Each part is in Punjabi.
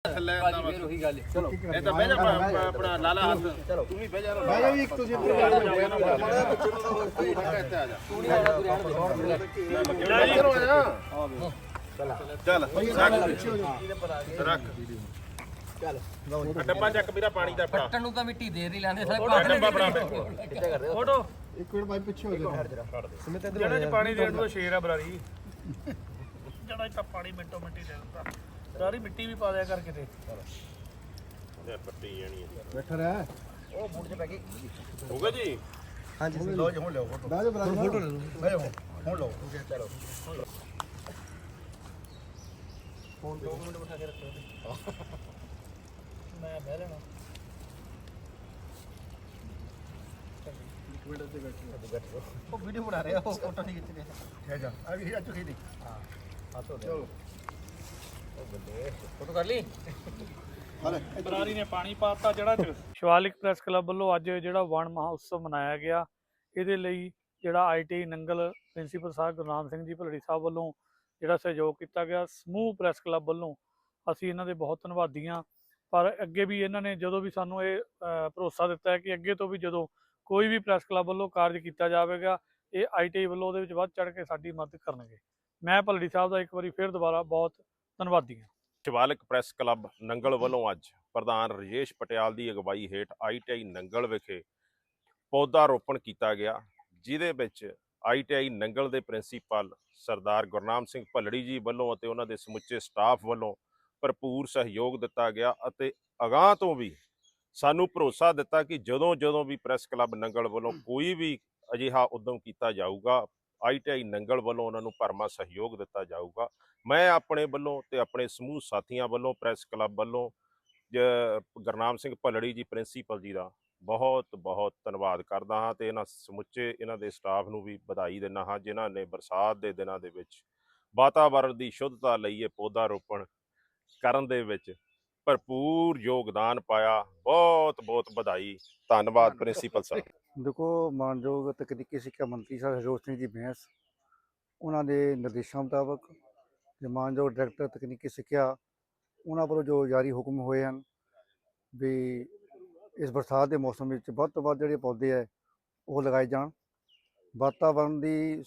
ਫੇਰ ਉਹੀ ਗੱਲ ਚਲੋ ਇਹ ਤਾਂ ਬਹਿ ਜਾ ਆਪਣਾ ਲਾਲਾ ਹੱਥ ਚਲੋ ਤੂੰ ਵੀ ਬਹਿ ਜਾ ਬਹਿ ਜਾ ਵੀ ਇੱਕ ਤੁਸੀਂ ਇੱਥੇ ਆ ਜਾ ਤੂੰ ਨਹੀਂ ਆਣਾ ਤੂੰ ਚੱਲ ਰੱਖ ਚੱਲ ਡੱਬਾ ਚੱਕ ਵੀਰਾ ਪਾਣੀ ਦਾ ਫੜਾ ਪੱਟਣ ਨੂੰ ਤਾਂ ਮਿੱਟੀ ਦੇਰ ਨਹੀਂ ਲਾਉਂਦੇ ਸਾਰੇ ਡੱਬਾ ਫੜਾ ਕਿੱਥੇ ਕਰਦੇ ਫੋਟੋ ਇੱਕ ਮਿੰਟ ਬਾਈ ਪਿੱਛੇ ਹੋ ਜਾ ਜਿਹੜਾ ਚ ਪਾਣੀ ਦੇਣ ਨੂੰ ਸ਼ੇਰ ਆ ਬਰਾਰੀ ਜਿਹੜਾ ਚ ਪਾਣੀ ਮਿੰਟੋ ਮਿੰਟੀ ਦੇ ਦਿੰਦਾ ਸਾਰੀ ਮਿੱਟੀ ਵੀ ਪਾ ਦਿਆ ਕਰ ਕਿਤੇ ਇਹ ਪੱਟੀ ਜਾਣੀ ਹੈ ਬੈਠਾ ਰਹਿ ਉਹ ਬੂਟ 'ਚ ਪੈ ਗਈ ਹੋ ਗਿਆ ਜੀ ਹਾਂਜੀ ਲੋ ਜੀ ਹੁਣ ਲਓ ਫੋਟੋ ਬਹਿ ਜਾ ਬਰਾਦਰ ਫੋਟੋ ਲੈ ਲਓ ਬਹਿ ਜਾ ਹੁਣ ਲਓ ਚਲੋ ਫੋਨ 2 ਮਿੰਟ ਬਿਠਾ ਕੇ ਰੱਖੋ ਮੈਂ ਬਹਿ ਲੈਣਾ ਉਹ ਵੀਡੀਓ ਬਣਾ ਰਿਹਾ ਉਹ ਫੋਟੋ ਨਹੀਂ ਖਿੱਚ ਰਿਹਾ ਹੈ ਜਾ ਆ ਵੀ ਅੱਜ ਖੇਡੀ ਚਲੋ ਫੋਟੋ ਕਰ ਲਈ ਹਲੇ ਬਰਾਰੀ ਨੇ ਪਾਣੀ ਪਾਤਾ ਜਿਹੜਾ ਚ ਸ਼ਿਵਾਲਿਕ ਪ੍ਰੈਸ ਕਲੱਬ ਵੱਲੋਂ ਅੱਜ ਜਿਹੜਾ ਵਣ ਮਹਾਉਤਸਵ ਮਨਾਇਆ ਗਿਆ ਇਹਦੇ ਲਈ ਜਿਹੜਾ ਆਈਟੀ ਨੰਗਲ ਪ੍ਰਿੰਸੀਪਲ ਸਾਹਿਬ ਗੁਰਨਾਮ ਸਿੰਘ ਜੀ ਭਲੜੀ ਸਾਹਿਬ ਵੱਲੋਂ ਜਿਹੜਾ ਸਹਿਯੋਗ ਕੀਤਾ ਗਿਆ ਸਮੂਹ ਪ੍ਰੈਸ ਕਲੱਬ ਵੱਲੋਂ ਅਸੀਂ ਇਹਨਾਂ ਦੇ ਬਹੁਤ ਧੰਨਵਾਦੀ ਹਾਂ। ਪਰ ਅੱਗੇ ਵੀ ਇਹਨਾਂ ਨੇ ਜਦੋਂ ਵੀ ਸਾਨੂੰ ਇਹ ਭਰੋਸਾ ਦਿੱਤਾ ਹੈ ਕਿ ਅੱਗੇ ਤੋਂ ਵੀ ਜਦੋਂ ਕੋਈ ਵੀ ਪ੍ਰੈਸ ਕਲੱਬ ਵੱਲੋਂ ਕਾਰਜ ਕੀਤਾ ਜਾਵੇਗਾ ਇਹ ਆਈਟੀ ਵੱਲੋਂ ਉਹਦੇ ਵਿੱਚ ਵੱਧ ਚੜ੍ਹ ਕੇ ਸਾਡੀ ਮਦਦ ਕਰਨਗੇ। ਮੈਂ ਭਲੜੀ ਸਾਹਿਬ ਦਾ ਇੱਕ ਵਾਰੀ ਫਿਰ ਦੁਬਾਰਾ ਬਹੁਤ ਧੰਨਵਾਦੀ ਹਾਂ। ਸ਼ਿਵਾਲਿਕ ਪ੍ਰੈਸ ਕਲੱਬ ਨੰਗਲ ਵੱਲੋਂ ਅੱਜ ਪ੍ਰਧਾਨ ਰਜੇਸ਼ ਪਟਿਆਲ ਦੀ ਅਗਵਾਈ ਹੇਠ ITI ਨੰਗਲ ਵਿਖੇ ਪੌਦਾ ਰੋਪਣ ਕੀਤਾ ਗਿਆ, ਜਿਹਦੇ ਵਿੱਚ ITI ਨੰਗਲ ਦੇ ਪ੍ਰਿੰਸੀਪਲ ਸਰਦਾਰ ਗੁਰਨਾਮ ਸਿੰਘ ਭੱਲੜੀ ਜੀ ਵੱਲੋਂ ਅਤੇ ਉਹਨਾਂ ਦੇ ਸਮੁੱਚੇ ਸਟਾਫ ਵੱਲੋਂ ਭਰਪੂਰ ਸਹਿਯੋਗ ਦਿੱਤਾ ਗਿਆ ਅਤੇ ਅਗਾਂਹ ਤੋਂ ਵੀ ਸਾਨੂੰ ਭਰੋਸਾ ਦਿੱਤਾ ਕਿ ਜਦੋਂ ਵੀ ਪ੍ਰੈਸ ਕਲੱਬ ਨੰਗਲ ਵੱਲੋਂ ਕੋਈ ਵੀ ਅਜਿਹਾ ਉਦਮ ਕੀਤਾ ਜਾਊਗਾ ITI ਨੰਗਲ ਵੱਲੋਂ ਉਹਨਾਂ ਨੂੰ ਭਰਮਾ ਸਹਿਯੋਗ ਦਿੱਤਾ ਜਾਊਗਾ। ਮੈਂ ਆਪਣੇ ਵੱਲੋਂ ਤੇ ਆਪਣੇ ਸਮੂਹ ਸਾਥੀਆਂ ਵੱਲੋਂ ਪ੍ਰੈਸ ਕਲੱਬ ਵੱਲੋਂ ਗੁਰਨਾਮ ਸਿੰਘ ਭੱਲੜੀ ਜੀ ਪ੍ਰਿੰਸੀਪਲ ਜੀ ਦਾ ਬਹੁਤ ਬਹੁਤ ਧੰਨਵਾਦ ਕਰਦਾ ਹਾਂ ਤੇ ਇਹਨਾਂ ਸਮੁੱਚੇ ਇਹਨਾਂ ਦੇ ਸਟਾਫ ਨੂੰ ਵੀ ਵਧਾਈ ਦਿੰਦਾ ਹਾਂ ਜਿਨ੍ਹਾਂ ਨੇ ਬਰਸਾਤ ਦੇ ਦਿਨਾਂ ਦੇ ਵਿੱਚ ਵਾਤਾਵਰਣ ਦੀ ਸ਼ੁੱਧਤਾ ਲਈ ਇਹ ਪੌਦਾ ਰੋਪਣ ਕਰਨ ਦੇ ਵਿੱਚ ਭਰਪੂਰ ਯੋਗਦਾਨ ਪਾਇਆ। ਬਹੁਤ ਬਹੁਤ ਵਧਾਈ, ਧੰਨਵਾਦ ਪ੍ਰਿੰਸੀਪਲ ਸਾਹਿਬ। ਦੇਖੋ ਮਾਨਯੋਗ ਤਕਨੀਕੀ ਸਿੱਖਿਆ ਮੰਤਰੀ ਸਾਹਿਬ ਹਰਜੋਤ ਸਿੰਘ ਜੀ ਬੈਂਸ ਉਹਨਾਂ ਦੇ ਨਿਰਦੇਸ਼ਾਂ ਮੁਤਾਬਕ ਤੇ ਮਾਨਯੋਗ ਡਾਇਰੈਕਟਰ ਤਕਨੀਕੀ ਸਿੱਖਿਆ ਉਹਨਾਂ ਵੱਲੋਂ ਜੋ ਜਾਰੀ ਹੁਕਮ ਹੋਏ ਹਨ ਵੀ ਇਸ ਬਰਸਾਤ ਦੇ ਮੌਸਮ ਵਿੱਚ ਵੱਧ ਤੋਂ ਵੱਧ ਜਿਹੜੇ ਪੌਦੇ ਹੈ ਉਹ ਲਗਾਏ ਜਾਣ। ਵਾਤਾਵਰਣ ਦੀ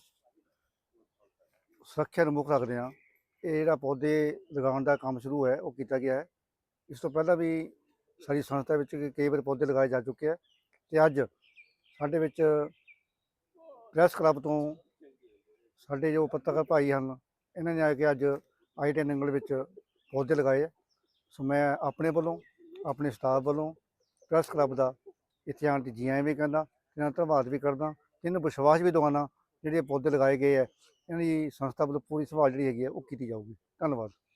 ਸੁਰੱਖਿਆ ਨੂੰ ਮੁੱਖ ਰੱਖਦੇ ਹਾਂ ਇਹ ਜਿਹੜਾ ਪੌਦੇ ਲਗਾਉਣ ਦਾ ਕੰਮ ਸ਼ੁਰੂ ਹੈ ਉਹ ਕੀਤਾ ਗਿਆ ਹੈ। ਇਸ ਤੋਂ ਪਹਿਲਾਂ ਵੀ ਸਾਡੀ ਸੰਸਥਾ ਵਿੱਚ ਕਈ ਵਾਰ ਪੌਦੇ ਲਗਾਏ ਜਾ ਚੁੱਕੇ ਹੈ ਤੇ ਅੱਜ ਸਾਡੇ ਵਿੱਚ ਪ੍ਰੈਸ ਕਲੱਬ ਤੋਂ ਸਾਡੇ ਜੋ ਪੱਤਰਕਾਰ ਭਾਈ ਹਨ ਇਹਨਾਂ ਨੇ ਆ ਕੇ ਅੱਜ ITI ਨੰਗਲ ਵਿੱਚ ਪੌਦੇ ਲਗਾਏ ਹੈ। ਸੋ ਮੈਂ ਆਪਣੇ ਵੱਲੋਂ ਆਪਣੇ ਸਟਾਫ ਵੱਲੋਂ ਪ੍ਰੈਸ ਕਲੱਬ ਦਾ ਇੱਥੇ ਆਉਣ ਦੀ ਜੀ ਆਇਆਂ ਵੀ ਕਹਿੰਦਾ, ਇਹਨਾਂ ਦਾ ਧੰਨਵਾਦ ਵੀ ਕਰਦਾ, ਇਹਨੂੰ ਵਿਸ਼ਵਾਸ ਵੀ ਦਿਵਾਉਣਾ ਜਿਹੜੇ ਪੌਦੇ ਲਗਾਏ ਗਏ ਹੈ ਇਹਨਾਂ ਦੀ ਸੰਸਥਾ ਵੱਲੋਂ ਪੂਰੀ ਸੰਭਾਲ ਜਿਹੜੀ ਹੈਗੀ ਹੈ ਉਹ ਕੀਤੀ ਜਾਊਗੀ। ਧੰਨਵਾਦ।